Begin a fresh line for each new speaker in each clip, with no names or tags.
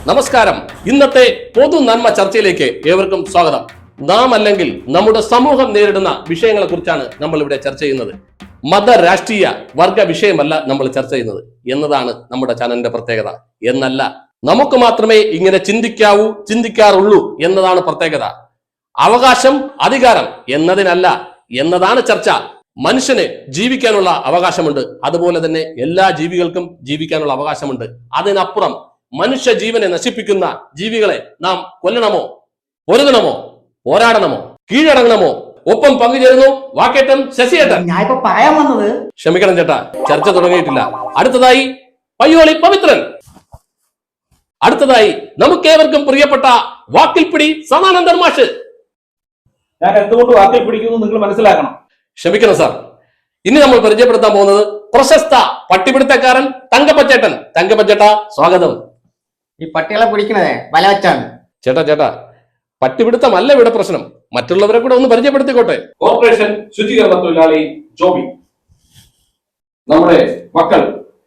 നമസ്കാരം. ഇന്നത്തെ പൊതു നന്മ ചർച്ചയിലേക്ക് ഏവർക്കും സ്വാഗതം. നാം അല്ലെങ്കിൽ നമ്മുടെ സമൂഹം നേരിടുന്ന വിഷയങ്ങളെ കുറിച്ചാണ് നമ്മൾ ഇവിടെ ചർച്ച ചെയ്യുന്നത്. മത രാഷ്ട്രീയ വർഗ വിഷയമല്ല നമ്മൾ ചർച്ച ചെയ്യുന്നത് എന്നതാണ് നമ്മുടെ ചാനലിന്റെ പ്രത്യേകത. എന്നല്ല, നമുക്ക് മാത്രമേ ഇങ്ങനെ ചിന്തിക്കാറുള്ളൂ എന്നതാണ് പ്രത്യേകത. അവകാശം, അധികാരം എന്നതിനല്ല എന്നതാണ് ചർച്ച. മനുഷ്യന് ജീവിക്കാനുള്ള അവകാശമുണ്ട്, അതുപോലെ തന്നെ എല്ലാ ജീവികൾക്കും ജീവിക്കാനുള്ള അവകാശമുണ്ട്. അതിനപ്പുറം മനുഷ്യ ജീവനെ നശിപ്പിക്കുന്ന ജീവികളെ നാം കൊല്ലണമോ, പൊരുതണമോ, പോരാടണമോ, കീഴടങ്ങണമോ? ഒപ്പം പങ്കുചേരുന്നു വാക്കേറ്റം ശശിയേട്ടൻ.
ഞാൻ ഇപ്പൊ പറയാൻ വന്നത്,
ക്ഷമിക്കണം ചേട്ടാ, ചർച്ച തുടങ്ങിയിട്ടില്ല. അടുത്തതായി പയ്യോളി പവിത്രൻ. അടുത്തതായി നമുക്കേവർക്കും പ്രിയപ്പെട്ട വാക്കിൽപ്പിടി സദാനന്ദൻ മാഷ്.
ഞാൻ എന്തുകൊണ്ട് വാക്കിൽ പിടിക്കുന്നു നിങ്ങൾ മനസ്സിലാക്കണം.
ക്ഷമിക്കണം സാർ. ഇനി നമ്മൾ പരിചയപ്പെടുത്താൻ പോകുന്നത് പ്രശസ്ത പട്ടിപിടുത്തക്കാരൻ തങ്കപ്പച്ചേട്ടൻ. തങ്കപ്പച്ചേട്ടാ, സ്വാഗതം.
ഈ പട്ടികളെ പിടിക്കണതേ വല വെച്ചാണ്.
ചേട്ടാ, പട്ടിപിടുത്തമല്ല ഇവിടെ പ്രശ്നം. മറ്റുള്ളവരെ കൂടെ ഒന്ന് പരിചയപ്പെടുത്തിക്കോട്ടെ.
കോർപ്പറേഷൻ ശുചീകരണ തൊഴിലാളി ജോബി, നമ്മുടെ മക്കൾ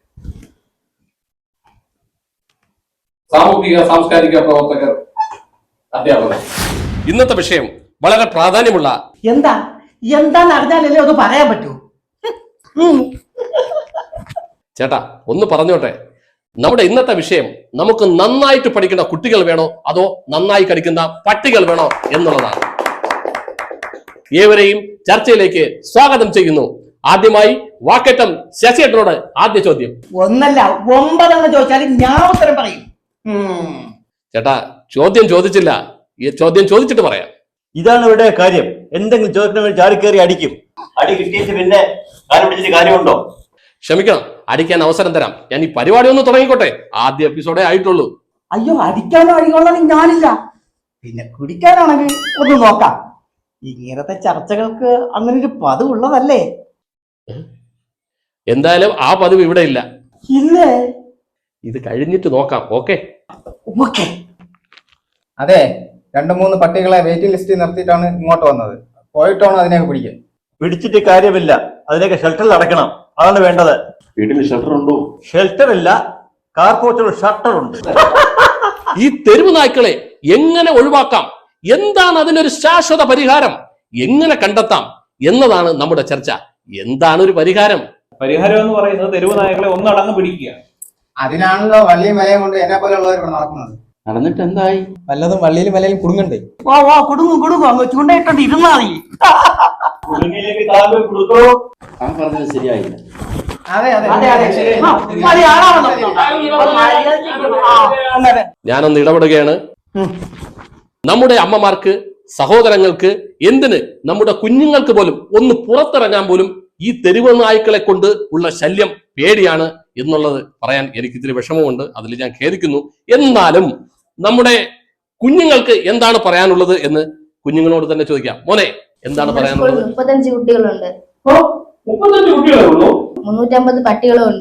സാമൂഹിക സാംസ്കാരിക പ്രവർത്തകർ, അധ്യാപകർ.
ഇന്നത്തെ വിഷയം വളരെ പ്രാധാന്യമുള്ള
എന്താന്ന് അറിഞ്ഞാലല്ലേ അത് പറയാൻ പറ്റൂ.
ചേട്ടാ, ഒന്ന് പറഞ്ഞോട്ടെ. നമ്മുടെ ഇന്നത്തെ വിഷയം നമുക്ക് നന്നായിട്ട് പഠിക്കുന്ന കുട്ടികൾ വേണോ അതോ നന്നായി കടിക്കുന്ന പട്ടികൾ വേണോ എന്നുള്ളതാണ്. ഏവരെയും ചർച്ചയിലേക്ക് സ്വാഗതം ചെയ്യുന്നു. ആദ്യമായി വാക്കേറ്റം ശശിയേട്ടനോട് ആദ്യ ചോദ്യം.
1 അല്ല 9 ചോദിച്ചാലും ഞാൻ ഉത്തരം പറയും.
ചേട്ടാ, ചോദ്യം ചോദിച്ചില്ല, ഈ ചോദ്യം ചോദിച്ചിട്ട് പറയാം.
ഇതാണ് ഇവിടെ കാര്യം. എന്തെങ്കിലും ചോദിക്കണമെങ്കിൽ ചാടിക്കേറി അടിക്കും. അടി കിട്ടിയിട്ട് പിന്നെ കാര്യം പിടിച്ചിട്ട് കാര്യമുണ്ടോ?
ക്ഷമിക്കണം, അടിക്കാൻ അവസരം തരാം. ഞാൻ ഈ പരിപാടി ഒന്ന് തുടങ്ങിക്കോട്ടെ. ആദ്യ എപ്പിസോഡേ ആയിട്ടുള്ളൂ.
അയ്യോ, അടിക്കാനോ അടിക്കൊള്ളാണെങ്കിൽ ഞാനില്ല. പിന്നെ കുടിക്കാനാണെങ്കിൽ ഒന്ന് നോക്കാം. ഇങ്ങനത്തെ ചർച്ചകൾക്ക് അങ്ങനെ ഒരു പതിവ് ഉള്ളതല്ലേ?
എന്തായാലും ആ പതിവ് ഇവിടെ ഇല്ല.
ഇല്ലേ?
ഇത് കഴിഞ്ഞിട്ട് നോക്കാം. ഓക്കെ.
അതെ, 2-3 പട്ടികളെ വെയിറ്റിംഗ് ലിസ്റ്റിൽ നിർത്തിയിട്ടാണ് ഇങ്ങോട്ട് വന്നത്. പോയിട്ടാണ് അതിനെയൊക്കെ പിടിക്കാൻ.
പിടിച്ചിട്ട് കാര്യമില്ല, അതിനൊക്കെ ഷെൽട്ടറിൽ അടയ്ക്കണം. അതാണ് വേണ്ടത്.
വീട്ടിൽ ഷട്ടർ ഉണ്ടോ?
ഷെൽട്ടർ ഇല്ല, കാർപോർട്ടിൽ ഷട്ടർ ഉണ്ട്.
ഈ തെരുവ് നായ്ക്കളെ എങ്ങനെ ഒഴിവാക്കാം, എന്താണ് അതിനൊരു ശാശ്വത പരിഹാരം, എങ്ങനെ കണ്ടെത്താം എന്നതാണ് നമ്മുടെ ചർച്ച. എന്താണ് ഒരു പരിഹാരം?
പരിഹാരം എന്ന് പറയുന്നത് തെരുവ് നായകളെ ഒന്നടങ്ങ് പിടിക്കുക.
അതിനാണല്ലോ വള്ളിയും വലയും കൊണ്ട് എന്നെ പോലെയുള്ളവർ ഇവിടെ നടക്കുന്നത്.
നടന്നിട്ട് എന്തായി?
വല്ലതും വള്ളിയിലും വലയിലും കുടുങ്ങണ്ടേ?
വാ കുടുങ്ങും അങ്ങ് ചൂണ്ടയിട്ടോണ്ട് ഇരുന്നാ മതി.
ഞാൻ പറഞ്ഞത് ശരിയായില്ല.
അതെ
ഞാനൊന്ന് ഇടപെടുകയാണ്. നമ്മുടെ അമ്മമാർക്ക്, സഹോദരങ്ങൾക്ക്, എന്തിന് നമ്മുടെ കുഞ്ഞുങ്ങൾക്ക് പോലും ഒന്ന് പുറത്തിറങ്ങാൻ പോലും ഈ തെരുവ് നായ്ക്കളെ കൊണ്ട് ഉള്ള ശല്യം പേടിയാണ് എന്നുള്ളത് പറയാൻ എനിക്ക് ഇത്തിരി വിഷമമുണ്ട്. അതിൽ ഞാൻ ഖേദിക്കുന്നു. എന്നാലും നമ്മുടെ കുഞ്ഞുങ്ങൾക്ക് എന്താണ് പറയാനുള്ളത് എന്ന് കുഞ്ഞുങ്ങളോട് തന്നെ ചോദിക്കാം. മോനെ, എന്താണ് പറയാനുള്ളത്?
35 കുട്ടികളുണ്ട്.
35 കുട്ടികളേ ഉള്ളൂ?
350 പട്ടികളും ഉണ്ട്.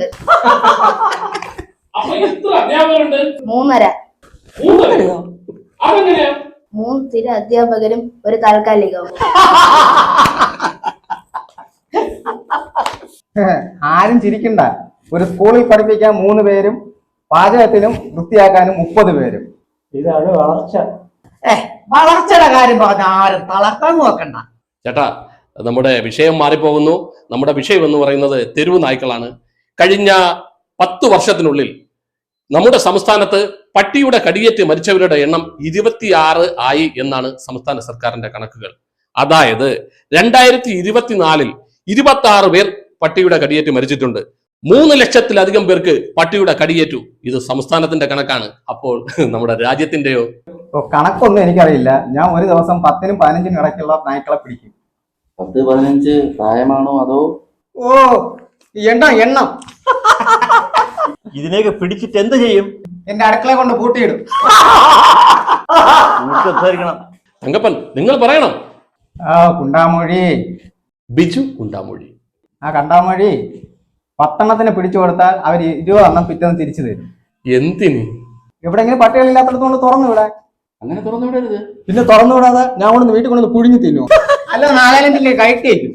3.5. 3 സ്ഥിര അധ്യാപകരും ഒരു താൽക്കാലികവും.
ആരും ചിരിക്കണ്ട. ഒരു സ്കൂളിൽ പഠിപ്പിക്കാൻ 3 പേരും, പാചകത്തിനും വൃത്തിയാക്കാനും 30 പേരും.
ഇതാണ് വളർച്ച.
വളർച്ചയുടെ കാര്യം പറഞ്ഞ ആരും തളർത്താൻ നോക്കണ്ട.
ചേട്ടാ, നമ്മുടെ വിഷയം മാറിപ്പോകുന്നു. നമ്മുടെ വിഷയം എന്ന് പറയുന്നത് തെരുവ് നായ്ക്കളാണ്. കഴിഞ്ഞ 10 വർഷത്തിനുള്ളിൽ നമ്മുടെ സംസ്ഥാനത്ത് പട്ടിയുടെ കടിയേറ്റ് മരിച്ചവരുടെ എണ്ണം 26 ആയി എന്നാണ് സംസ്ഥാന സർക്കാരിന്റെ കണക്കുകൾ. അതായത് 2024 26 പേർ പട്ടിയുടെ കടിയേറ്റ് മരിച്ചിട്ടുണ്ട്. 3 ലക്ഷത്തിലധികം പേർക്ക് പട്ടിയുടെ കടിയേറ്റു. ഇത് സംസ്ഥാനത്തിന്റെ കണക്കാണ്. അപ്പോൾ നമ്മുടെ രാജ്യത്തിന്റെയോ?
കണക്കൊന്നും എനിക്കറിയില്ല. ഞാൻ ഒരു ദിവസം 10-നും 15-നും ഇടയ്ക്കുള്ള നായ്ക്കളെ പിടിക്കും.
10-15 പ്രായമാണോ അതോ?
എണ്ണം
ഇതിനെയൊക്കെ പിടിച്ചിട്ട് എന്ത് ചെയ്യും?
എന്റെ അടുക്കള കൊണ്ട് പൂട്ടിയിടും.
സംസാരിക്കണം.
തങ്കപ്പൻ, നിങ്ങൾ പറയണം.
കുണ്ടാമൊഴി,
ബിജു കുണ്ടാമൊഴി.
കണ്ടാമൊഴി 10 എണ്ണത്തിന് പിടിച്ചു കൊടുത്താൽ അവർ 20 എണ്ണം പിറ്റേന്ന് തിരിച്ചു തരും.
എന്തിന്?
എവിടെയെങ്കിലും പട്ടികളില്ലാത്തടത്തോണ്ട് തുറന്നു വിടാൻ.
അങ്ങനെ തുറന്നു വിടരുത്.
പിന്നെ തുറന്നു വിടാതെ ഞാൻ കൊണ്ടു വീട്ടിൽ കൊണ്ടു പുഴുങ്ങി തിന്നു. അല്ല, നാഗാലാൻഡിലെ കയറ്റിയേക്കും.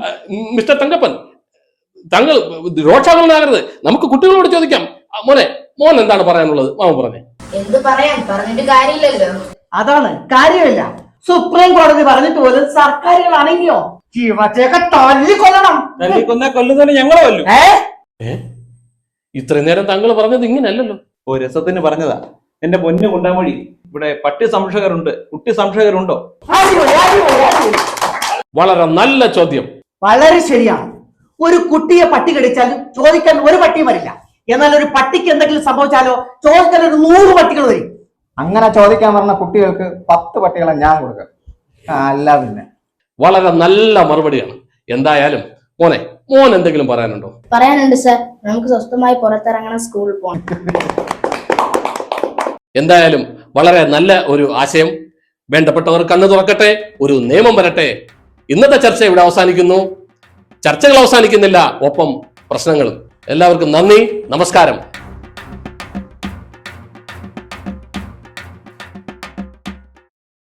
മിസ്റ്റർ തങ്കപ്പൻ, താങ്കൾ രോഷാകുലനാകരുത്. നമുക്ക് കുട്ടികളോട് ചോദിക്കാം. മോനെ, മോൻ എന്താണ് പറയാനുള്ളത് മാമൻ പറഞ്ഞേ.
എന്ത് പറയാൻ, പറഞ്ഞിട്ട് കാര്യമില്ലല്ലോ.
അതാണ് കാര്യമില്ല. സുപ്രീം കോടതി പറഞ്ഞിട്ട് പോലും സർക്കാരുകൾ അണങ്ങിയോ? ജീവത്തെയൊക്കെ തല്ലിക്കൊല്ലണം.
തല്ലിക്കൊന്ന കൊല്ലുന്നതിന് ഞങ്ങളെ കൊല്ലും.
ഇത്രയും നേരം താങ്കൾ പറഞ്ഞത് ഇങ്ങനല്ലല്ലോ.
ഓ രസത്തിന് പറഞ്ഞതാ. എന്റെ പൊന്നു കൊണ്ടാമൊഴി, ഇവിടെ പട്ടി സംരക്ഷകരുണ്ട്, കുട്ടി സംരക്ഷകരുണ്ടോ?
അടിപൊളി, അടിപൊളി, അടിപൊളി.
വളരെ നല്ല ചോദ്യം.
വളരെ ശരിയാണ്. ഒരു കുട്ടിയെ പട്ടി കടിച്ചാലും ചോദിക്കാൻ ഒരു പട്ടിയും വരില്ല. എന്നാൽ ഒരു പട്ടിക്ക് എന്തെങ്കിലും സംഭവിച്ചാലോ ചോദിക്കാൻ ഒരു 100 പട്ടികൾ വരും.
അങ്ങനെ ചോദിക്കാൻ പറഞ്ഞ കുട്ടികൾക്ക് 10 പട്ടികളെ ഞാൻ കൊടുക്കാം. അല്ല പിന്നെ.
വളരെ നല്ല മറുപടിയാണ്. എന്തായാലും മോൻ എന്തെങ്കിലും പറയാനുണ്ടോ?
പറയാനുണ്ട് സർ, നമുക്ക് സ്വസ്ഥമായി പുറത്തിറങ്ങണം, സ്കൂളിൽ പോകണം.
എന്തായാലും വളരെ നല്ല ഒരു ആശയം. വേണ്ടപ്പെട്ടവർ കണ്ണു തുറക്കട്ടെ, ഒരു നിയമം വരട്ടെ. ഇന്നത്തെ ചർച്ച ഇവിടെ അവസാനിക്കുന്നു. ചർച്ചകൾ അവസാനിക്കുന്നില്ല, ഒപ്പം പ്രശ്നങ്ങളും. എല്ലാവർക്കും നന്ദി, നമസ്കാരം.